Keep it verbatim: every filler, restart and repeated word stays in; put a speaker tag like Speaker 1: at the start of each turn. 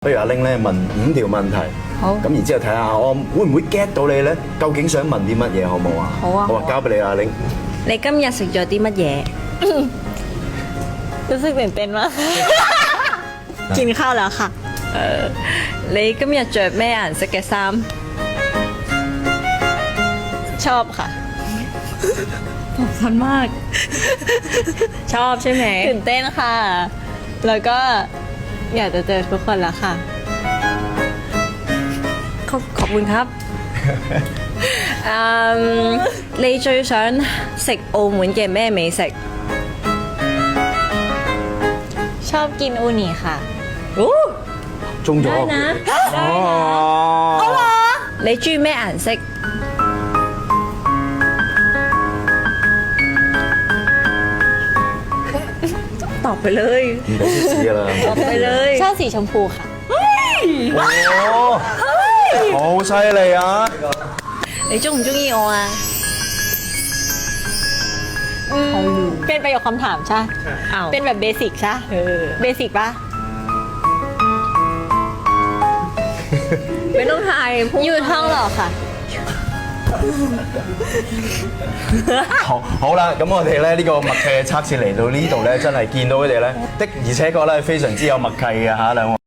Speaker 1: 不如阿玲咧問五條問題，
Speaker 2: 好
Speaker 1: 咁然之後睇下我會唔會 get 到你咧？究竟想問啲乜嘢好冇啊？
Speaker 2: 好啊
Speaker 1: 好啊，交俾你阿玲。
Speaker 2: 你今日食咗啲乜嘢？
Speaker 3: รู้สึกตื่นเต้นมาก กินข้าวแล้วค่ะ
Speaker 2: เออ你今日着咩顏色嘅衫？
Speaker 3: ชอบค่ะ
Speaker 2: ตอบชันมาก ชอบใช่ไหม
Speaker 3: ตื่นเต้นค่ะ แล้วก็อยากจะเจอทุกคนแล้วค่ะ
Speaker 2: ขอบขอบคุณครับ อืม你最想食澳門嘅咩美食？
Speaker 3: ชอบกินอูนิค่ะ
Speaker 1: 中咗。
Speaker 2: ได้นะ
Speaker 1: 哦。
Speaker 2: 你中意咩顏色？ตอบไปเลย
Speaker 1: 唔俾貼士㗎啦。
Speaker 2: ตอบไปเลย
Speaker 3: ชอบสีชมพูค่ะ
Speaker 1: 哦，好犀利啊！
Speaker 2: 你中唔中意我啊？
Speaker 3: เป็นประโยคคำถามใช่
Speaker 2: อ้าว
Speaker 3: เป็นแบบเบสิกใช่
Speaker 2: เออ
Speaker 3: เบสิกปะ
Speaker 2: ไม่ต้องทายพูด
Speaker 3: อยู่ท่องหรอค่ะ
Speaker 1: 好好啦，咁我哋咧呢個默契嘅測試嚟到呢度咧，真係見到佢哋咧的而且確咧非常之有默契嘅嚇兩位。